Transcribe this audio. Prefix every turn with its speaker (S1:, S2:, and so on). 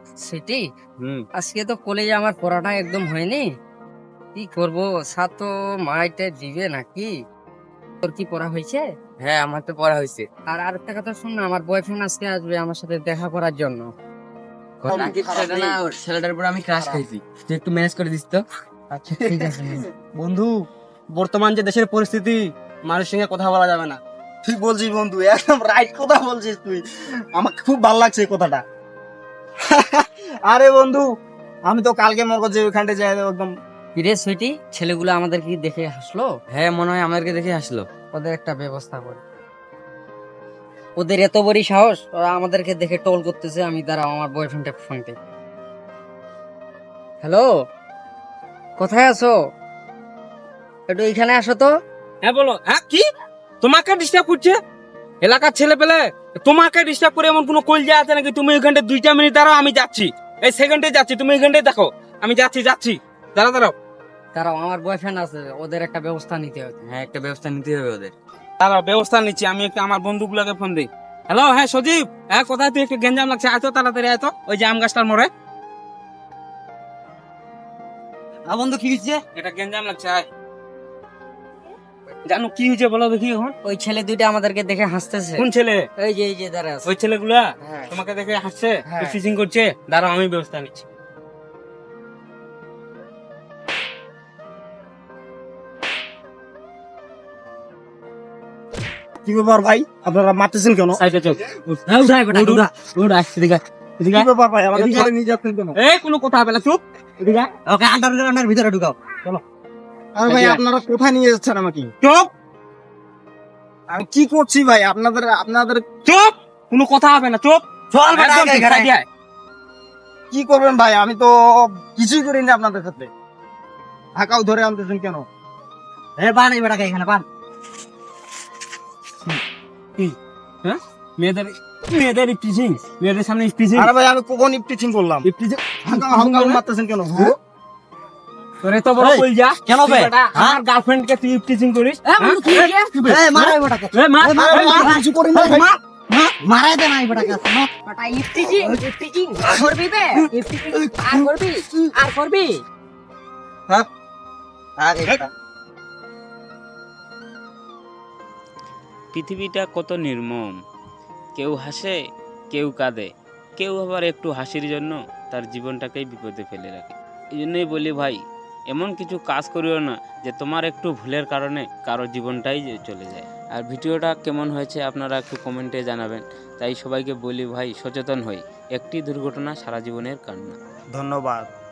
S1: সেটি আজকে তো কলেজে আমার পড়াটা একদম হয়নি। কি করব, স্যার তো মাইটে দিবে নাকি? তোর কি পড়া হয়েছে?
S2: হ্যাঁ, আমার তো পড়া হয়েছে।
S1: আর আরেকটা কথা শুন না, আমার বয়ফ্রেন্ড আজকে আসবে আমার সাথে দেখা করার জন্য।
S2: নাকি ছেলেটা না, ছেলেটার উপর আমি ক্রাশ খাইছি, তুই একটু ম্যানেজ করে দিস তো।
S1: আচ্ছা ঠিক আছে।
S3: বন্ধু, বর্তমান যে দেশের পরিস্থিতি, মানুষের সঙ্গে কথা বলা যাবে না।
S4: ঠিক বলছিস বন্ধু, একদম রাইট কথা বলছিস তুই। আমাকে খুব ভালো লাগছে এই কথাটা। আরে বন্ধু, আমি তো কালকে মনে যে ওইখানটা যাই একদম।
S1: কিরে সুইটি, ছেলেগুলো আমাদের কি দেখে হাসলো?
S2: হ্যাঁ, মনে হয় আমাদেরকে দেখে আসলো।
S1: ওদের একটা ব্যবস্থা করি। ওদের এত বড় সাহস, ওরা আমাদেরকে দেখে টোল করতেছে। আমি দাঁড়াও, আমার বয়ফ্রেন্ডটা ফোনতে। হ্যালো, কোথায় আছো? একটু এখানে আসো তো।
S3: হ্যাঁ বলো। হ্যাঁ, কি তোমাকে ডিস্টার্ব করছে? এলাকার ছেলে পেলে তোমাকে ডিস্টার্ব করে এমন কোনো কলজা আছে নাকি? তুমি ওইখানটা 2টা মিনিট দাঁড়াও, আমি যাচ্ছি। এই সেকেন্ডে যাচ্ছি, তুমি ওইখানটায় দেখো। আমি যাচ্ছি। দাঁড়াও।
S1: দাঁড়াও, আমার বয়ফ্রেন্ড আছে, ওদের একটা ব্যবস্থা নিতে হবে।
S2: হ্যাঁ, একটা ব্যবস্থা নিতে হবে ওদের।
S3: দাঁড়াও, ব্যবস্থা নিচ্ছি। আমি একটু আমার বন্ধুগুলোকে ফোন দিই। হ্যালো, হ্যাঁ সজীব, হ্যাঁ কোথায় তুই? একটু গেঞ্জাম লাগছে, আয় তো তাড়াতাড়ি আয় তো, ওই যে আম গাছটার মোড়ে।
S4: বন্ধু কি হচ্ছে?
S3: এটা গেঞ্জাম লাগছে, আয়। জানো কি হয়েছে বলো দেখি এখন?
S1: ওই ছেলে দুইটা আমাদেরকে দেখে হাসতেছে।
S3: কোন ছেলে?
S1: এই যে দাঁড়া আছে।
S3: ওই ছেলেগুলা
S1: হ্যাঁ।
S3: তোমাকে দেখে হাসছে,
S1: হ্যাঁ।
S3: ফিশিং করছে। দাঁড়াও, আমি ব্যবস্থা নিচ্ছি।
S4: কি ব্যাপার ভাই, আপনারা মারতেছেন কেন?
S3: সাইডে চল।
S1: হ্যাঁ, উঠা বেটা, উঠা।
S3: এদিকে
S4: কি ব্যাপার ভাই, আমাদের ছেলে নিয়ে যাচ্ছেন কেন?
S3: এই কোনো কথা হবে না, চুপ। এদিকে আয়।
S1: ওকে আন্ডার ভিতরে ঢুকাও।
S4: আরে ভাই, আপনারা কোথায় নিয়ে যাচ্ছেন আমাকে?
S3: চুপ
S4: আমি কি করছি ভাই? আপনাদের
S3: চুপ, কোনো কথা হবে না, চুপ।
S4: চল বেটা,
S3: একদম ঠিক,
S4: এখানে।
S3: সাইডে আয়।
S4: কি করবেন ভাই? আমি তো কিছুই করিনি আপনাদের সাথে। ঢাকাও ধরে আনতেছেন কেন?
S1: বান এই বেটাকে এখানে বান।
S3: হ্যাঁ, মেয়েদের ইফটিজিং, মেয়েদের সামনে ইফটিজিং।
S4: আরে ভাই, আমি কখন ইফটিচিং করলাম?
S3: ইফটিজিং
S4: হালকা মারতেছেন কেন?
S3: তোরে তো বড়
S1: এই,
S3: কই যা
S1: কেন
S3: তুই
S1: বে?
S3: বেটা
S1: হ্যাঁ?
S3: আমার গার্লফ্রেন্ডকে তুই ইফটিজিং করিস?
S1: বন্ধু, কি হয়েছে? মার এই বেটাকে।
S3: মার
S4: আরে ভাই, আমি কিছু করিনি ভাই।
S1: মারাই দে না এই বেটাকে। বেটা ইফটিজিং করবি বে? ইফটিজিং আর করবি?
S4: আরে বেটা।
S5: পৃথিবীটা কত নির্মম। কেউ হাসে, কেউ কাঁদে, কেউ আবার একটু হাসির জন্য তার জীবনটাকেই বিপদে ফেলে রাখে। এই জন্যই বলি ভাই, এমন কিছু কাজ করিও না যে তোমার একটু ভুলের কারণে কারো জীবনটাই চলে যায়। আর ভিডিওটা কেমন হয়েছে আপনারা একটু কমেন্টে জানাবেন। তাই সবাইকে বলি ভাই, সচেতন হই। একটি দুর্ঘটনা সারা জীবনের কান্না।
S4: ধন্যবাদ।